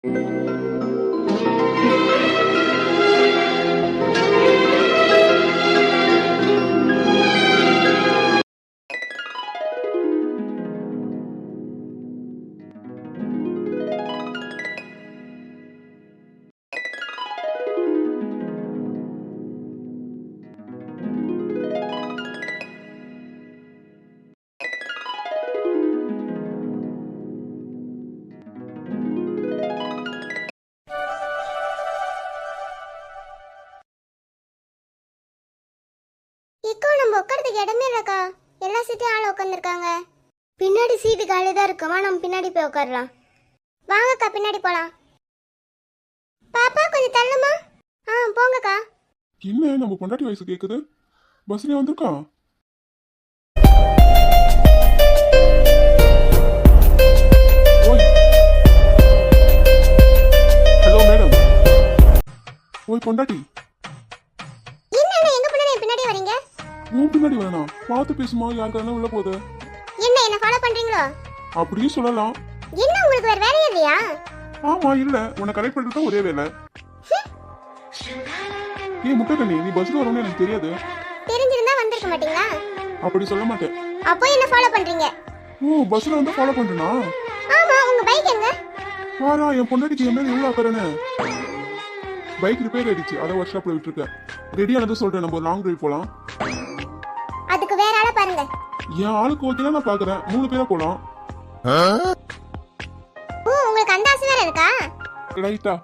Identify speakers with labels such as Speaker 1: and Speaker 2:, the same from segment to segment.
Speaker 1: Eco நம்ம உட்காரதுக்கு இடமே இல்லக்கா. எல்லா சீட்டையும் ஆள உட்காந்துருக்காங்க. பின்னாடி சீட்டு காலிதான் இருக்குமா, நம்ம பின்னாடி போய் உட்காரலாம். வாங்கக்கா பின்னாடி போலாம். பாப்பா கொஞ்சம் தள்ளுமா. போங்கக்கா.
Speaker 2: என்ன நம்ம பொண்டாட்டி வயசு கேக்குது? பஸ்லயே வந்திருக்கா? Hello madam. ஓய் பொண்டாட்டி.
Speaker 1: என்ன எங்க பின்னாடி வரீங்க?
Speaker 2: உன் பின்னாடி வேணாம், பார்த்து பேசுமா, யாருக்கான உள்ள போகுது.
Speaker 1: என்ன ஃபாலோ பண்றீங்களோ?
Speaker 2: அப்படியே சொல்லலாம்.
Speaker 1: என்ன உங்களுக்கு வேற வேலையே இல்லையா?
Speaker 2: ஆமா இல்ல, உன்னை கரெக்ட் பண்றது தான் ஒரே வேலை. ஏய் முட்டை, நீ பஸ்ல வரணும்னு எனக்கு தெரியாது.
Speaker 1: தெரிஞ்சிருந்தா வந்திருக்க மாட்டீங்களா?
Speaker 2: அப்படி சொல்ல மாட்டேன்.
Speaker 1: அப்போ என்ன ஃபாலோ பண்றீங்க?
Speaker 2: ஓ பஸ்ல வந்து ஃபாலோ பண்றேனா?
Speaker 1: ஆமா, உங்க பைக் எங்க?
Speaker 2: வாரா, என் பொண்டாட்டிக்கு என் மேல எவ்வளவு அக்கறனே. பைக் ரிப்பேர் ஆயிடுச்சு, அதை ஒர்க் ஷாப்ல விட்டுருக்கேன். ரெடியானது சொல்றேன், நம்ம லாங் டிரைவ் போலாம்.
Speaker 1: அதுக்கு வேற ஆள பாருங்க.
Speaker 2: என் ஆளுக்கு ஓகே நான் பாக்குறேன், 3 பேரா போலாம்.
Speaker 1: உங்களுக்கு அந்த ஆசை வேற இருக்கா?
Speaker 2: ரைட்டா.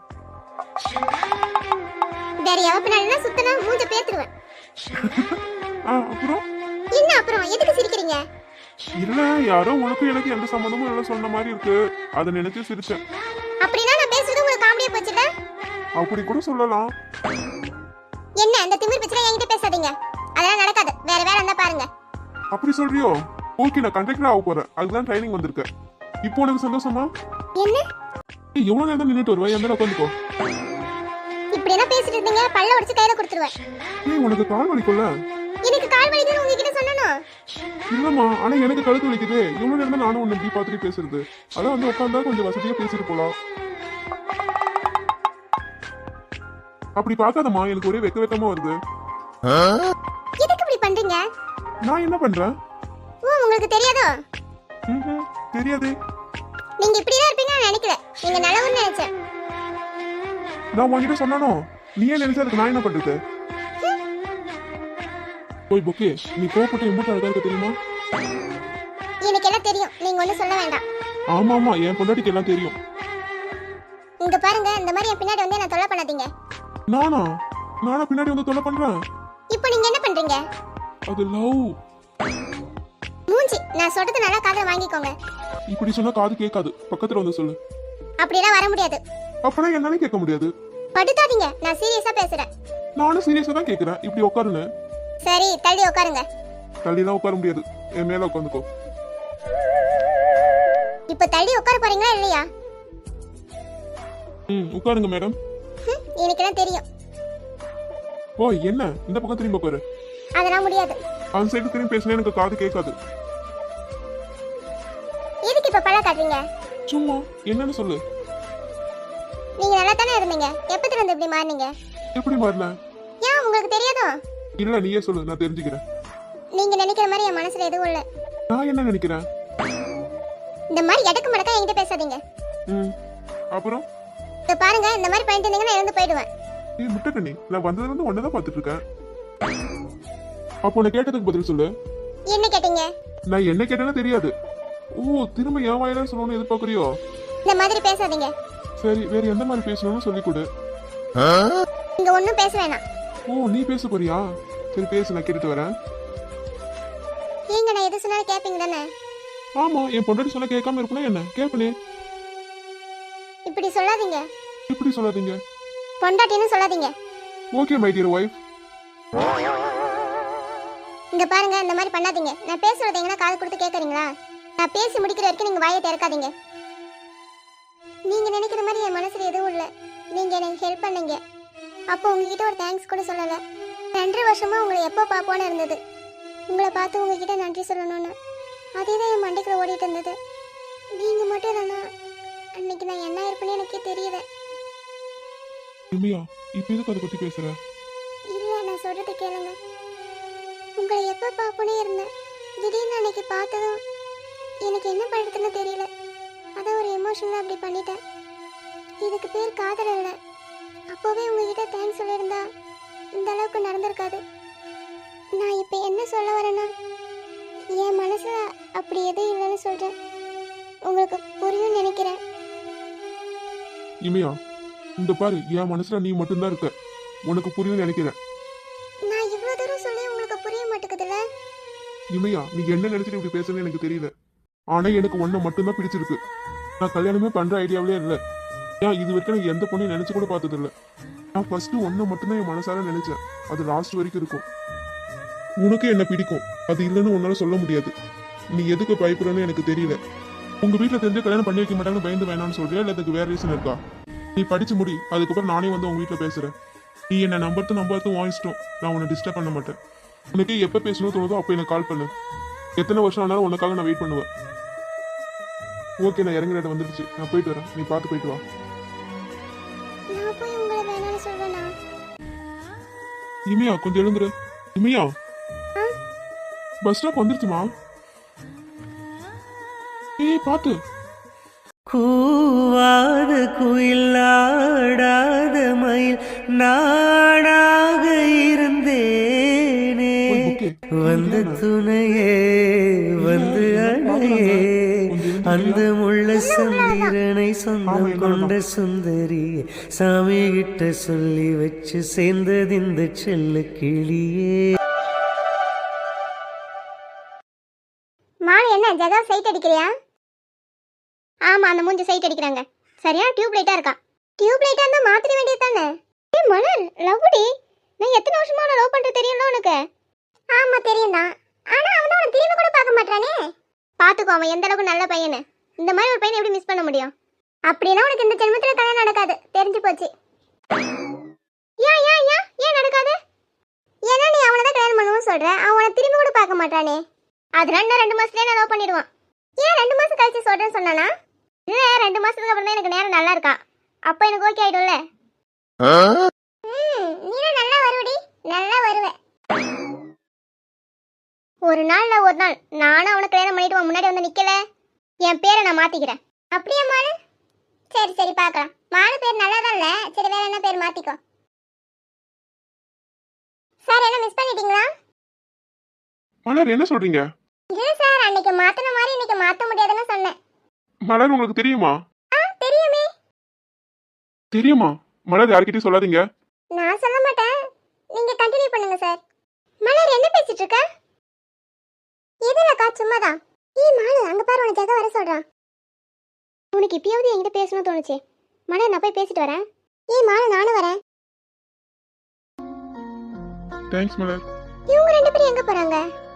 Speaker 1: வேற எவ பின்னாடினா சுத்தனா மூஞ்ச பேத்துருவேன்.
Speaker 2: அப்புறம்
Speaker 1: என்ன அப்புறம் எதுக்கு சிரிக்கிறீங்க?
Speaker 2: இல்ல, யாரோ உனக்கு எனக்கு எந்த சம்பந்தமும் இல்ல சொன்ன மாதிரி இருக்கு, அத நினைச்சு சிரிச்சேன்.
Speaker 1: அப்படினா நான் பேசுறது உங்களுக்கு காமெடியா போச்சுல?
Speaker 2: அப்படி கூட சொல்லலாம்.
Speaker 1: என்ன அந்த திமிர் பிச்சை என்கிட்ட பேசாதீங்க, அதெல்லாம் நடக்காது. வேற வேற இருந்தா பாருங்க.
Speaker 2: அப்படி சொல்றியோ? ஓகே, நான் கண்டக்டர் ஆக போறேன், அதுதான் ட்ரைனிங் வந்திருக்கேன். இப்போ உனக்கு சந்தோஷமா?
Speaker 1: என்ன
Speaker 2: எவ்வளவு நேரம் நின்னுட்டு வருவா? என் மேல உட்காந்துக்கோ.
Speaker 1: இப்படி என்ன பேசிட்டு இருந்தீங்க? பல்ல உடைச்சு கையில கொடுத்துருவேன்.
Speaker 2: ஏய் உனக்கு கால் வலிக்கும்ல?
Speaker 1: எனக்கு கால் வலிக்குன்னு உங்ககிட்ட சொன்னனோ?
Speaker 2: இல்லம்மா, ஆனா எனக்கு கழுத்து வலிக்குது. எவ்வளவு நேரம் தான் நானும் உன்னை இப்படி பார்த்துட்டு பேசுறது? அதான் வந்து உட்காந்தா கொஞ்சம் வசதியா பேசிட்டு போலாம். அப்படி பார்க்காதம்மா, எனக்கு ஒரே வெக்கமா வருது.
Speaker 1: எதுக்கு இப்படி பண்றீங்க?
Speaker 2: நான் என்ன பண்றேன்?
Speaker 1: உங்களுக்கு தெரியாதோ?
Speaker 2: தெரியாதே.
Speaker 1: நீங்க இப்படிதான் இருப்பீங்க நான் நினைக்கல. நீங்க நல்லவன்னு நினைச்சேன்.
Speaker 2: நான் உன்கிட்ட சொன்னானோ? நீ ஏன் நினைச்சா அதுக்கு நான் என்ன பண்றது? போய் பொக்கே, நீ கோபப்பட்டு எம்பூட்டு அழகா இருக்க தெரியுமா?
Speaker 1: எனக்கு எல்லாம் தெரியும், நீங்க ஒண்ணும் சொல்ல வேண்டாம்.
Speaker 2: ஆமா ஆமா, என் பொண்டாட்டிக்கு எல்லாம் தெரியும்.
Speaker 1: இங்க பாருங்க, இந்த மாதிரி என் பின்னாடி வந்து என்ன தொல்லை பண்ணாதீங்க.
Speaker 2: நானா பின்னாடி வந்து தொல்லை பண்றேன்?
Speaker 1: இப்போ நீங்க என்ன பண்றீங்க?
Speaker 2: அது லவ்.
Speaker 1: மூஞ்சி, நான் சொல்றது நல்லா காதுல வாங்கிக்கோங்க.
Speaker 2: இப்படி சொன்னா காது கேட்காது, பக்கத்துல வந்து சொல்லு.
Speaker 1: அப்படிலாம் வர முடியாது.
Speaker 2: அப்பனா என்னால கேட்க முடியாது.
Speaker 1: படுத்தாதீங்க, நான் சீரியஸா பேசுறேன்.
Speaker 2: நானும் சீரியஸா தான் கேக்குறேன், இப்படி உட்காருன்னு.
Speaker 1: சரி, தள்ளி உட்காருங்க.
Speaker 2: தள்ளிலாம் உட்கார முடியாது, என் மேல உட்காந்துக்கோ.
Speaker 1: இப்ப தள்ளி உட்கார போறீங்களா இல்லையா?
Speaker 2: உட்காருங்க மேடம்.
Speaker 1: எனக்கு எல்லாம் தெரியும்.
Speaker 2: ஓ என்ன, இந்த பக்கம் திரும்பி உட்காரு.
Speaker 1: அதெல்லாம் முடியாது.
Speaker 2: அந்த சைடு திரும்பி பேசினா எனக்கு காது கேட்காது.
Speaker 1: எதுக்கு இப்ப பழ காட்டுறீங்க?
Speaker 2: சும்மா என்னன்னு சொல்லு.
Speaker 1: நீங்க நல்லா தானே இருந்தீங்க, எப்பத்துல இருந்து இப்படி மாறினீங்க?
Speaker 2: எப்படி மாறல?
Speaker 1: ஏன் உங்களுக்கு தெரியாதோ?
Speaker 2: இல்ல நீயே சொல்லு, நான் தெரிஞ்சுக்கிறேன்.
Speaker 1: நீங்க நினைக்கிற மாதிரி என் மனசுல எதுவும் இல்ல.
Speaker 2: நான் என்ன நினைக்கிறேன்?
Speaker 1: இந்த மாதிரி எடக்கு மடக்கா என்கிட்ட பேசாதீங்க.
Speaker 2: அப்புறம்
Speaker 1: இத பாருங்க, இந்த மாதிரி பண்ணிட்டு இருந்தீங்கன்னா எழுந்து போயிடுவேன்.
Speaker 2: நீ முட்டை கண்ணி, நான் வந்ததுல இருந்து ஒன்னதான் பாத்துட்டு இருக்கேன். அப்போ உன்னை கேட்டதுக்கு பதில் சொல்லு.
Speaker 1: என்ன கேட்டீங்க?
Speaker 2: நான் என்ன கேட்டேன்னு தெரியாது. ஓ திரும்ப என் வாயில சொல்லணும்னு எதிர்பார்க்கறியோ?
Speaker 1: இந்த மாதிரி பேசாதீங்க.
Speaker 2: சரி, வேற எந்த மாதிரி பேசணும்னு சொல்லி கொடு.
Speaker 1: நீங்க ஒண்ணும் பேச வேணாம்.
Speaker 2: ஓ நீ பேச போறியா? சரி பேசு, நான் கேட்டுட்டு வரேன்.
Speaker 1: நீங்க நான் எது சொன்னாலும் கேப்பீங்க தானே?
Speaker 2: ஆமா, என் பொண்டாட்டி சொன்னா கேட்காம இருப்பனா என்ன? கேப்பனே.
Speaker 1: இப்படி சொல்லாதீங்க.
Speaker 2: இப்படி சொல்லாதீங்க.
Speaker 1: பொண்டாட்டின்னு சொல்லாதீங்க.
Speaker 2: Okay my dear wife.
Speaker 1: இங்க பாருங்க, இந்த மாதிரி பண்ணாதீங்க. நான் பேசுறது எங்கனா காது கொடுத்து கேக்குறீங்களா? நான் பேசி முடிக்கிற வரைக்கும் நீங்க வாயை திறக்காதீங்க. நீங்க நினைக்கிற மாதிரி என் மனசுல எதுவும் இல்ல. நீங்க எனக்கு ஹெல்ப் பண்ணீங்க. அப்போ உங்ககிட்ட ஒரு தேங்க்ஸ் கூட சொல்லல. 2 வருஷமா உங்களை எப்போ பாப்போன்னு இருந்தது. உங்களை பார்த்து உங்ககிட்ட நன்றி சொல்லணும்னு அதே தான் என் மண்டைக்குள்ள ஓடிட்டு இருந்தது. நீங்க மட்டும் தானா அன்னைக்கு நான் என்ன இருப்பேன்னு எனக்கே தெரியல.
Speaker 2: இமையா இப்ப எதுக்கு அதை பத்தி பேசுற?
Speaker 1: இல்ல, நான் சொல்றது கேளுங்க. உங்களை எப்ப பாப்போனே இருந்தேன். திடீர்னு அன்னைக்கு பார்த்ததும் எனக்கு என்ன பண்றதுன்னு தெரியல. அதான் ஒரு எமோஷனலா அப்படி பண்ணிட்டேன். இதுக்கு பேர் காதல் இல்லை. அப்போவே உங்ககிட்ட தேங்க்ஸ் சொல்லியிருந்தா இந்த அளவுக்கு நடந்திருக்காது. நான் இப்போ என்ன சொல்ல வரேன்னா, என் மனசுல அப்படி எதுவும் இல்லைன்னு சொல்றேன். உங்களுக்கு புரியும் நினைக்கிறேன்.
Speaker 2: இமையா இந்த பாரு, என் மனசுல நீ மட்டும்தான் இருக்க. உனக்கு புரியும் நினைக்கிறேன்.
Speaker 1: நான் இவ்வளோ தூரம் சொல்லி உங்களுக்கு புரிய மாட்டேங்குதுல்ல?
Speaker 2: இமையா நீ என்ன நினைச்சிட்டு இப்படி பேசுறேன்னு எனக்கு தெரியல. ஆனா எனக்கு ஒன்ன மட்டும்தான் பிடிச்சிருக்கு. நான் கல்யாணமே பண்ற ஐடியாவிலே இல்லை. ஏன் இது வரைக்கும் எனக்கு எந்த பொண்ணையும் நினைச்சு கூட பார்த்தது இல்லை. நான் ஃபர்ஸ்ட் ஒன்ன மட்டும்தான் என் மனசார நினைச்சேன். அது லாஸ்ட் வரைக்கும் இருக்கும். உனக்கு என்ன பிடிக்கும், அது இல்லைன்னு உன்னால சொல்ல முடியாது. நீ எதுக்கு பயப்படுறன்னு எனக்கு தெரியல. உங்க வீட்டுல தெரிஞ்ச கல்யாணம் பண்ணி வைக்க மாட்டாங்கன்னு பயந்து வேணாம்னு சொல்றியா, இல்ல அதுக்கு வேற ரீசன் இருக்கா? நீ படிச்சு முடி, அதுக்கப்புறம் நானே வந்து உங்க வீட்டுல பேசுறேன். நீ என்ன நம்புறது உன் இஷ்டம். நான் உன்னை டிஸ்டர்ப் பண்ண மாட்டேன். உனக்கு எப்ப பேசணும் தோணுதோ அப்ப எனக்கு கால் பண்ணு. எத்தனை வருஷம் ஆனாலும் உனக்காக நான் வெயிட் பண்ணுவேன். ஓகே, நான் இறங்குற இடம் வந்துடுச்சு. நான் போயிட்டு வரேன். நீ பார்த்து போயிட்டு வா.
Speaker 1: நான் போய் உங்களை வேணாம்னு சொல்வேனா?
Speaker 2: இமையா கொஞ்சம் எழுந்துரு. இமையா
Speaker 1: ஆ?
Speaker 2: பஸ் ஸ்டாப் வந்துருச்சுமா. ஏய் பாத்து.
Speaker 3: கூவாத குயிலாடாத மயில் நாடாக இருந்தேனே, வந்து துணையே வந்து அணையே, அந்த முள்ள சந்திரனை சொந்தம் கொண்ட சுந்தரியே, சாமி கிட்ட சொல்லி வச்சு சேர்ந்தது இந்த செல்ல கிளியே.
Speaker 1: மாலை என்ன ஜகா சைட் அடிக்கிறியா? ஆமா, அந்த மூஞ்சி சைட் அடிக்கிறாங்க. சரியா டியூப் லைட்டா இருக்கா. டியூப் லைட்டா இருந்தா மாத்திர வேண்டியது தானே. ஏய் மலர், லவ்டி, நான் எத்தனை வருஷமா உன்னை லவ் பண்றது தெரியும்ல உனக்கு? ஆமா தெரியும் தான். ஆனா அவன் உன்னை திரும்பி கூட பார்க்க மாட்டானே. பாத்துக்கோ, அவன் எந்த அளவுக்கு நல்ல பையனு. இந்த மாதிரி ஒரு பையனை எப்படி மிஸ் பண்ண முடியும்? அப்படின்னா உனக்கு இந்த ஜென்மத்துல கல்யாணம் நடக்காது, தெரிஞ்சு போச்சு. ஏன் நடக்காது? ஏன்னா நீ அவனை தான் கல்யாணம் பண்ணுவோம் சொல்ற. அவன் உன்னை திரும்பி கூட பார்க்க மாட்டானே. அதனால நான் 2 மாசத்துலயே நான் லவ் பண்ணிடுவான். ஏன் 2 மாசம் கழிச்சு சொல்றேன்னு சொன்னானா? இல்ல, 2 மாசத்துக்கு அப்புறம் தான் எனக்கு நேரம் நல்லா இருக்கா. அப்ப எனக்கு ஓகே ஆயிடும்ல. நீ நல்லா வருவடி, நல்லா வருவ. ஒரு நாள் நானும் அவனை கல்யாணம் பண்ணிட்டு முன்னாடி வந்து நிக்கல, என் பேரை நான் மாத்திக்கிறேன். அப்படியே மாலு? சரி பார்க்கலாம். மாலு பேர் நல்லாதான் இல்ல. சரி, வேற என்ன பேர் மாத்திக்கோ. சார், என்ன மிஸ் பண்ணிட்டீங்களா?
Speaker 2: மலர் என்ன சொல்றீங்க?
Speaker 1: இல்ல சார், அன்னைக்கு மாத்தின மாதிரி இன்னைக்கு மாத்த முடியாதுன்னு சொன்னேன்.
Speaker 2: மலர் உங்களுக்கு தெரியுமா?
Speaker 1: தெரியுமே.
Speaker 2: தெரியுமா? மலர் யார்கிட்டயும் சொல்லாதீங்க.
Speaker 1: நான் சொல்ல மாட்டேன், நீங்க கண்டினியூ பண்ணுங்க சார். மலர் என்ன பேசிட்டு இருக்க? எதுலக்கா, சும்மாதான். மாலு, அங்க பாரு, உன ஜெகா வர சொல்றான். உனக்கு இப்பயாவது என்கிட்ட பேசணும்னு தோணுச்சு. மலர், நான் போய் பேசிட்டு வரேன். மாலு, நானும் வரேன்.
Speaker 2: தேங்க்ஸ் மலர்.
Speaker 1: இவங்க 2 பேரும் எங்க போறாங்க?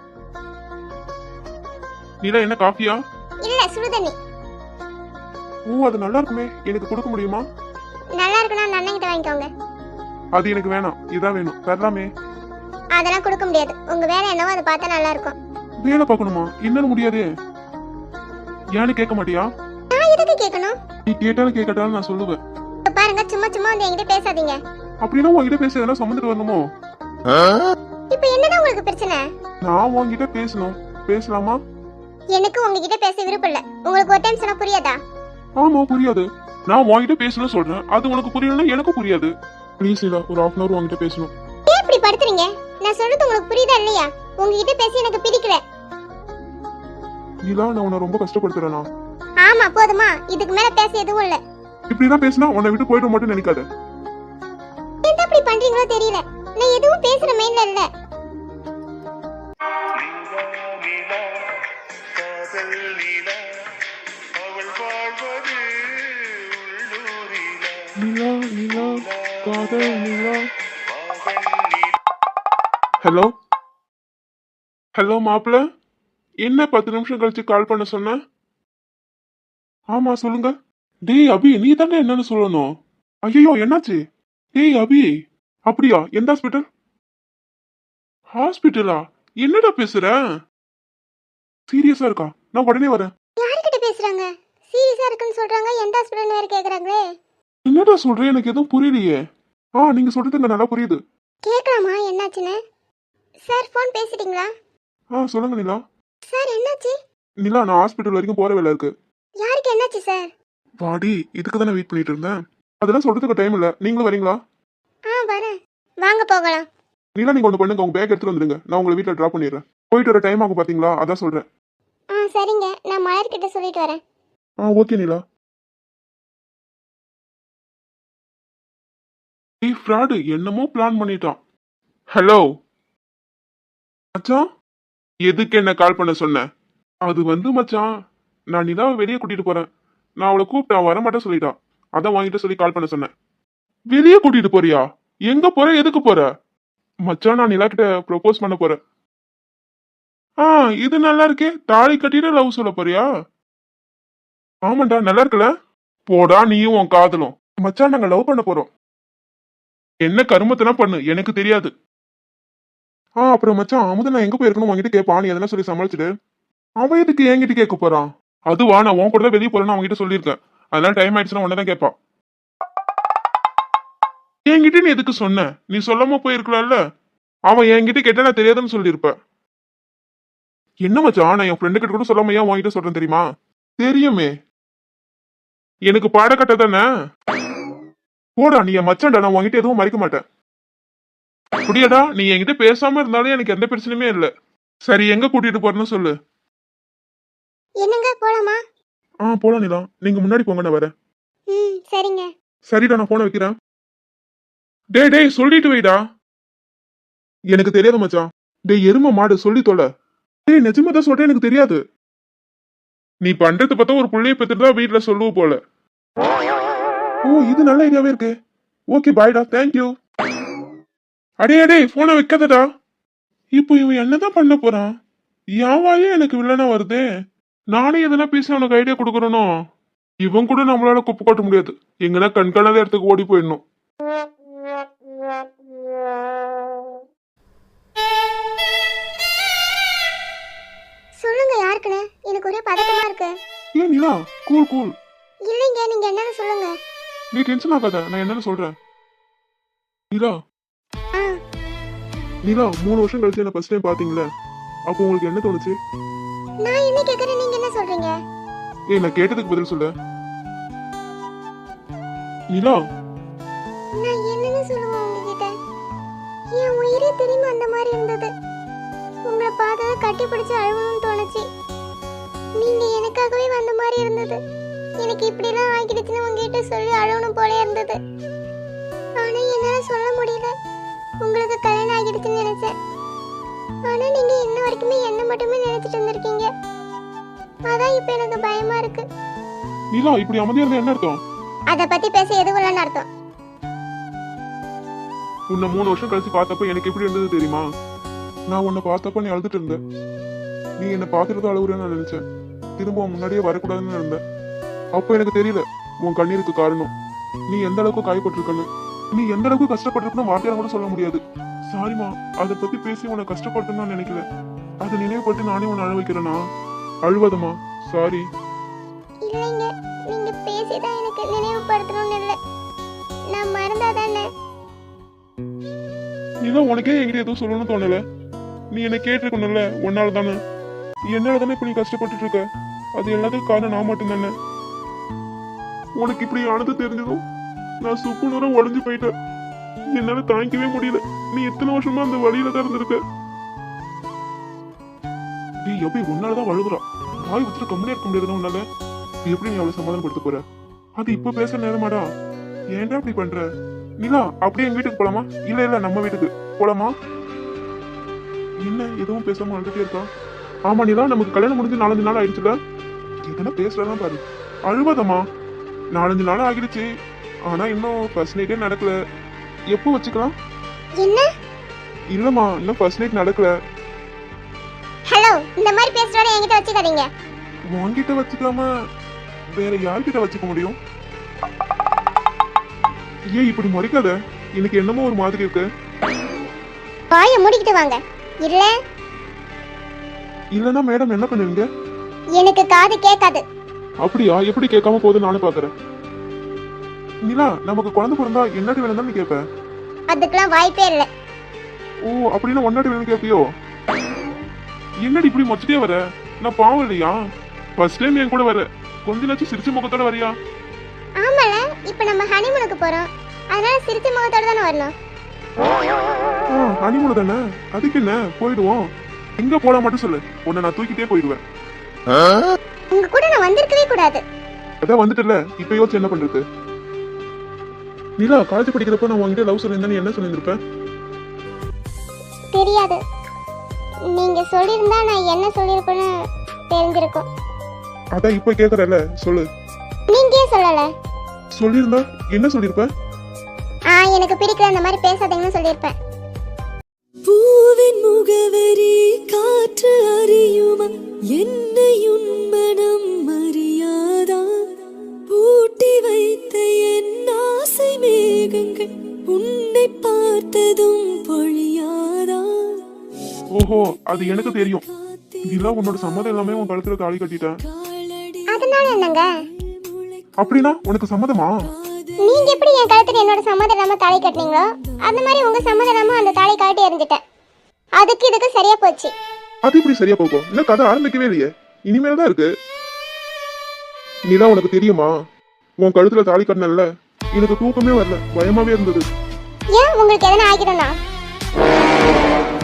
Speaker 2: நீலா என்ன காஃபியா?
Speaker 1: இல்ல, சுடு தண்ணி.
Speaker 2: ஓ, அது நல்லா இருக்குமே. எனக்கு கொடுக்க முடியுமா?
Speaker 1: நல்லா இருக்குன்னா அந்த அண்ணன் கிட்ட வாங்கிக்கோங்க.
Speaker 2: அது எனக்கு வேணாம், இதான் வேணும். தரலாமே.
Speaker 1: அதெல்லாம் கொடுக்க முடியாது. உங்க வேலை என்னவோ அதை பார்த்தா நல்லா இருக்கும்.
Speaker 2: வேலை பார்க்கணுமா? என்னன்னு முடியாதே. ஏன்னு கேட்க மாட்டியா?
Speaker 1: நான் எதுக்கு கேட்கணும்?
Speaker 2: நீ கேட்டாலும் கேட்கட்டாலும் நான் சொல்லுவேன்.
Speaker 1: பாருங்க, சும்மா வந்து என்கிட்ட பேசாதீங்க.
Speaker 2: அப்படின்னா உன்கிட்ட பேச எதனா சம்மந்துட்டு வரணுமோ?
Speaker 1: இப்போ என்னதான் உங்களுக்கு பிரச்சனை?
Speaker 2: நான் உன்கிட்ட பேசணும். பேசலாமா?
Speaker 1: எனக்கு உங்ககிட்ட பேச விருப்பம் இல்ல. உங்களுக்கு ஒரு டைம் சொன்னா புரியாதா?
Speaker 2: ஆமா, புரியாது. நான் உன்கிட்ட பேசணும் சொல்றேன், அது உனக்கு புரியலன்னா எனக்கு புரியாது. ப்ளீஸ் இல்ல, ஒரு 1/2 hour உன்கிட்ட பேசணும்.
Speaker 1: ஏன் இப்படி படுத்துறீங்க? நான் சொல்றது உங்களுக்கு புரியுதா இல்லையா? உங்ககிட்ட பேசி எனக்கு பிடிக்கல.
Speaker 2: நீலா, நான் உன்னை ரொம்ப கஷ்டப்படுத்துறேனா?
Speaker 1: ஆமா, போதுமா? இதுக்கு மேல பேச எதுவும் இல்ல.
Speaker 2: இப்படிதான் பேசினா உன்னை விட்டு போயிட மாட்டேன்னு நினைக்காத.
Speaker 1: என்ன இப்படி பண்றீங்களோ தெரியல. நான் எதுவும் பேசுற மெயின்ல இல்ல.
Speaker 2: நீலா நீலா காதல் நீலா. ஹலோ ஹலோ மாப்பிள்ள, என்ன 10 நிமிஷம் கழிச்சு கால் பண்ண சொன்ன? ஆமா சொல்லுங்க. டேய் அபி, நீ தானே என்னன்னு சொல்லணும். ஐயோ, என்னாச்சு? டேய் அபி, அப்படியா? எந்த ஹாஸ்பிட்டல்? ஹாஸ்பிட்டலா? என்னடா பேசுற? சீரியஸா இருக்கா? நான் உடனே வரேன்.
Speaker 1: யார்கிட்ட பேசுறாங்க? சீரியஸா இருக்குன்னு சொல்றாங்க. எந்த ஹாஸ்பிட்டல்னு வேற கேக்குறாங்களே.
Speaker 2: என்னடா சொல்றேன், எனக்கு எதுவும் புரியலையே. நீங்க சொல்றது எனக்கு நல்லா புரியுது.
Speaker 1: கேட்கலாமா என்னாச்சுன்னு? சார் ஃபோன் பேசிட்டீங்களா?
Speaker 2: சொல்லுங்க நிலா.
Speaker 1: சார் என்னாச்சு?
Speaker 2: நிலா, நான் ஹாஸ்பிட்டல் வரைக்கும் போற வேலை இருக்கு.
Speaker 1: யாருக்கு என்னாச்சு சார்?
Speaker 2: வாடி, இதுக்கு தானே வெயிட் பண்ணிட்டு இருந்தேன். அதெல்லாம் சொல்றதுக்கு டைம் இல்ல. நீங்களும் வரீங்களா?
Speaker 1: வரேன். வாங்க போகலாம்.
Speaker 2: நிலா, நீங்க ஒன்று பண்ணுங்க, உங்க பேக் எடுத்துட்டு வந்துருங்க. நான் உங்களை வீட்டில் ட்ராப் பண்ணிடுறேன். போயிட்டு வர டைம் ஆகும் பாத்தீங்களா, அதான் சொல்றேன்.
Speaker 1: சரிங்க, நான் மலர்கிட்ட சொல்லிட்டு வரேன்.
Speaker 2: ஓகே நிலா. ஃப்ராடு என்னமோ பிளான் பண்ணிட்டான். ஹலோ மச்சான், எதுக்கு என்ன கால் பண்ண சொன்ன? அது வந்து மச்சான், நான் நிலாவை வெளியே கூட்டிட்டு போறேன். நான் அவளை கூப்பிட்டா வரமாட்டேன் சொல்லிட்டா. அதான் வாங்கிட்டு சொல்லி கால் பண்ண சொன்னேன். வெளியே கூட்டிட்டு போறியா? எங்க போற, எதுக்கு போற? மச்சான், நான் நிலா கிட்ட ப்ரொபோஸ் பண்ண போறேன். இது நல்லா இருக்கே. தாலி கட்டிட்டு லவ் சொல்ல போறியா? ஆமாண்டா, நல்லா இருக்குல்ல? போடா நீயும் உன் காதலும். மச்சான், நாங்க லவ் பண்ண போறோம். என்ன கருமத்தெல்லாம் பண்ணு, எனக்கு தெரியாது. அப்புறம் மச்சான், அமுத நான் எங்க போயிருக்கணும் உங்ககிட்ட கேட்பான். நீ எதனா சொல்லி சமாளிச்சுட்டு. அவன் எதுக்கு என்கிட்ட கேட்க போறான்? அதுவா, நான் உன் கூட தான் வெளியே போறேன்னு அவன்கிட்ட சொல்லியிருக்கேன். அதனால டைம் ஆயிடுச்சுன்னா உடனே தான் கேட்பான். என்கிட்ட நீ எதுக்கு சொன்ன? நீ சொல்லாம போயிருக்கலாம்ல. அவன் என்கிட்ட கேட்டா நான் தெரியாதுன்னு சொல்லியிருப்பேன். என்ன மச்சான், நான் என் ஃப்ரெண்டு கிட்ட கூட சொல்லாம ஏன் உன்கிட்ட சொல்றேன் தெரியுமா? தெரியுமே, எனக்கு பாடக்கட்ட தானே. போடா, நீ என் மச்சான்டா, நான் உன்கிட்ட எதுவும் மறைக்க மாட்டேன். புரியடா, நீ என்கிட்ட பேசாம இருந்தாலும் எனக்கு எந்த பிரச்சனையுமே இல்ல. சரி, எங்க கூட்டிட்டு போறேன்னு சொல்லு.
Speaker 1: என்னங்க போலாமா?
Speaker 2: போலாம் நிலா, நீங்க முன்னாடி போங்க, நான் வரேன்.
Speaker 1: சரிங்க.
Speaker 2: சரிடா, நான் போன வைக்கிறேன். டேய் சொல்லிட்டு வைடா. எனக்கு தெரியாது மச்சான். டேய் எரும மாடு, சொல்லி தொலை. டேய் நிஜமா தான் சொல்றேன், எனக்கு தெரியாது. நீ பண்றது பார்த்தா ஒரு புள்ளைய பெற்றுட்டு தான் வீட்டுல சொல்லுவ போல. இது நல்ல ஐடியாவே இருக்கு. ஓகே பாய்டா, தேங்க்யூ. அடே போனை வைக்காதடா. இப்போ இவன் என்னதான் பண்ண போறான்? யாவாயே எனக்கு வில்லனா வருதே. நானே எதனா பேசி அவனுக்கு ஐடியா கொடுக்கறனோ. இவன் கூட நம்மளால குப்பை காட்ட முடியாது. எங்கன்னா கண்காணாத இடத்துக்கு ஓடி போயிடணும்.
Speaker 1: சொல்லுங்க, யாருக்குன்னு? எனக்கு ஒரே பதட்டமா இருக்கு.
Speaker 2: ஏன் நிலா, கூல்.
Speaker 1: இல்லைங்க, நீங்க என்னன்னு சொல்லுங்க.
Speaker 2: நீ டென்ஷன் ஆகாத, நான் என்னன்னு சொல்றேன். நிலா 3 வருஷம் கழிச்சு என்ன ஃபர்ஸ்ட் டைம் பாத்தீங்களா? அப்போ உங்களுக்கு என்ன தோணுச்சு?
Speaker 1: நான் என்ன கேக்குறேன், நீங்க என்ன சொல்றீங்க?
Speaker 2: நான் கேட்டதுக்கு பதில் சொல்லு நிலா.
Speaker 1: நான் என்னன்னு சொல்லுவேன் உங்ககிட்ட? என் உயிரே திரும்பி அந்த மாதிரி இருந்தது. உங்களை பார்த்ததை கட்டி பிடிச்சு அழுவணும்னு தோணுச்சு. நீங்க எனக்காகவே வந்த மாதிரி இருந்தது. எனக்கு இப்படிலாம் ஆகிடுச்சுன்னு உங்ககிட்ட சொல்லி அழுவணும் போல இருந்தது. ஆனா என்னால சொல்ல முடியல. உங்களுக்கு கல்யாணம் ஆகிடுச்சுன்னு நினைச்சேன். ஆனா நீங்க இன்ன வரைக்குமே என்ன மட்டுமே நினைச்சிட்டு இருந்திருக்கீங்க. அதான் இப்ப எனக்கு பயமா இருக்கு.
Speaker 2: நிலா, இப்படி அமைதியா இருந்தா என்ன அர்த்தம்?
Speaker 1: அத பத்தி பேச எதுவும் இல்லைன்னு அர்த்தம்.
Speaker 2: உன்னை 3 வருஷம் கழிச்சு பார்த்தப்ப எனக்கு எப்படி இருந்தது தெரியுமா? நான் உன்னை பார்த்தப்ப நீ அழுதுட்டு இருந்த. நீ என்னை பார்த்துட்டு அழுகுறேன்னு நான் நினைச்சேன். திரும்ப முன்னாடியே வரக்கூடாதுன்னு இருந்தேன். அப்ப எனக்கு தெரியல உன் கண்ணீருக்கு காரணம். நீ எந்த அளவுக்கு காயப்பட்டிருக்கன்னு, நீ எந்த அளவுக்கு கஷ்டப்பட்டிருக்குன்னு வார்த்தையால கூட சொல்ல முடியாது. சாரிமா, அதை பத்தி பேசி உன்னை கஷ்டப்படுத்தணும்னு நினைக்கல. அதை நினைவுபட்டு நானே உன்னை அழ வைக்கிறேனா? அழுவதமா? சாரி.
Speaker 1: இல்லைங்க, நீங்க பேசிதான் எனக்கு நினைவுபடுத்தணும்னு இல்லை. நான் மறந்தாதானே.
Speaker 2: நீதான் உனக்கே என்கிட்ட எதுவும் சொல்லணும்னு தோணல. நீ என்ன கேட்டிருக்கணும்ல, உன்னால தானே. என்னால தானே இப்ப நீ கஷ்டப்பட்டுட்டு இருக்க. அது எல்லாத்துக்கும் காரணம் நான் மட்டும் தானே. உனக்கு இப்படி ஆனது தெரிஞ்சதும் நான் சுக்கு நூறம் உடஞ்சு போயிட்டேன். என்னால தாங்கிக்கவே முடியல. நீ எத்தனை வருஷமா அந்த வழியில தான் இருந்திருக்க. நீ எப்படி உன்னாலதான் வழுகுறா? வாய் வச்சுட்டு கம்மியா இருக்க முடியாதுன்னா உன்னால எப்படி நீ அவளை சமாதானப்படுத்த போற? அது இப்ப பேச நேரமாடா. ஏன்டா இப்படி பண்ற? நிலா, அப்படியே எங்க வீட்டுக்கு போலாமா? இல்ல நம்ம வீட்டுக்கு போலாமா? என்ன எதுவும் பேசாம அழுதுட்டே இருக்கா? ஆமா நிலா, நமக்கு கல்யாணம் முடிஞ்சு 4 நாள் ஆயிடுச்சுல. எதனா பேசுறதான் பாரு. அழுவதமா? 4 நாள் ஆகிடுச்சு. ஆனா இன்னும் ஃபர்ஸ்ட் நைட்டே நடக்கல. எப்போ வச்சுக்கலாம்?
Speaker 1: என்ன?
Speaker 2: இல்லம்மா, இன்னும் ஃபர்ஸ்ட் நைட் நடக்கல.
Speaker 1: ஹலோ, இந்த மாதிரி பேசுறத என்கிட்ட வச்சுக்காதீங்க.
Speaker 2: உன்கிட்ட வச்சுக்காம வேற யார்கிட்ட வச்சுக்க முடியும்? ஏன் இப்படி முறைக்காத? எனக்கு என்னமோ ஒரு மாதிரி இருக்கு.
Speaker 1: வாயை மூடிக்கிட்டு வாங்க.
Speaker 2: இல்லனா மேடம் என்ன பண்ணுவீங்க?
Speaker 1: எனக்கு காது கேட்காது.
Speaker 2: அப்படியா? எப்படி கேட்காம போகுது நானும் பாக்குறேன். நிலா, நமக்கு குழந்தை பிறந்தா என்னடி வேணும் தான் நீ கேட்ப?
Speaker 1: அதுக்கெல்லாம் வாய்ப்பே இல்லை.
Speaker 2: ஓ, அப்படின்னா ஒன்னாடி வேணும் கேட்பியோ? என்னடி இப்படி மொச்சிட்டே வர? நான் பாவம் இல்லையா? ஃபர்ஸ்ட் டைம் என் கூட வர, கொஞ்ச நாச்சும் சிரிச்ச முகத்தோட வரியா?
Speaker 1: ஆமால, இப்ப நம்ம ஹனிமூனுக்கு போறோம், அதனால சிரிச்ச முகத்தோட தானே வரணும்.
Speaker 2: ஹனிமூன் தானே, அதுக்கு என்ன, போயிடுவோம். எங்க போலாம் மட்டும் சொல்லு, உன்னை நான் தூக்கிட்டே போயிடுவேன்.
Speaker 1: உங்க கூட நான் வந்திருக்கவே கூடாது.
Speaker 2: அதான் வந்துட்டுல, இப்ப யோசிச்சு என்ன பண்றது? நிலா, காலேஜ் படிக்கிறப்ப நான் உங்ககிட்ட லவ் சொல்லியிருந்தா நீ என்ன சொல்லியிருப்பேன்?
Speaker 1: தெரியாது. நீங்க சொல்லியிருந்தா நான் என்ன சொல்லியிருப்பேன்னு தெரிஞ்சிருக்கும்.
Speaker 2: அதான் இப்ப கேக்குறல, சொல்லு.
Speaker 1: நீங்க ஏன் சொல்லல?
Speaker 2: சொல்லியிருந்தா என்ன சொல்லியிருப்ப?
Speaker 1: எனக்கு பிடிக்கல, அந்த மாதிரி பேசாதீங்கன்னு சொல்லியிருப்பேன்.
Speaker 4: பூவின் முகவரி காற்று அறியுமா, என்னையும் மனம் அறியாதா, பூட்டி வைத்த என் ஆசை மேகங்கள் உன்னை பார்த்ததும் பொழியாதா.
Speaker 2: ஓஹோ, அது எனக்கு தெரியும். நிலா, உன்னோட சம்மதம் எல்லாமே உன் கழுத்துல தாலி கட்டிட்டேன்.
Speaker 1: அதனால என்னங்க?
Speaker 2: அப்படின்னா உனக்கு சம்மதமா?
Speaker 1: நீங்க எப்படி என் கழுத்துல என்னோட சம்மதம் இல்லாம தாலி கட்டினீங்களோ அந்த மாதிரி உங்க சம்மதம் இல்லாம அந்த தாலி கட்டி எறிஞ்சிட்டேன். அதுக்கு இதுக்கு சரியா போச்சு.
Speaker 2: அது இப்படி சரியா போகும்? இன்னும் கதை ஆரம்பிக்கவே இல்லையே, இனிமேல் தான் இருக்கு. நிலா, உனக்கு தெரியுமா, உன் கழுத்துல தாலி கட்டினல்ல, எனக்கு தூக்கமே வரல, பயமாவே இருந்தது.
Speaker 1: ஏன் உங்களுக்கு எதனா ஆகிடும்னா?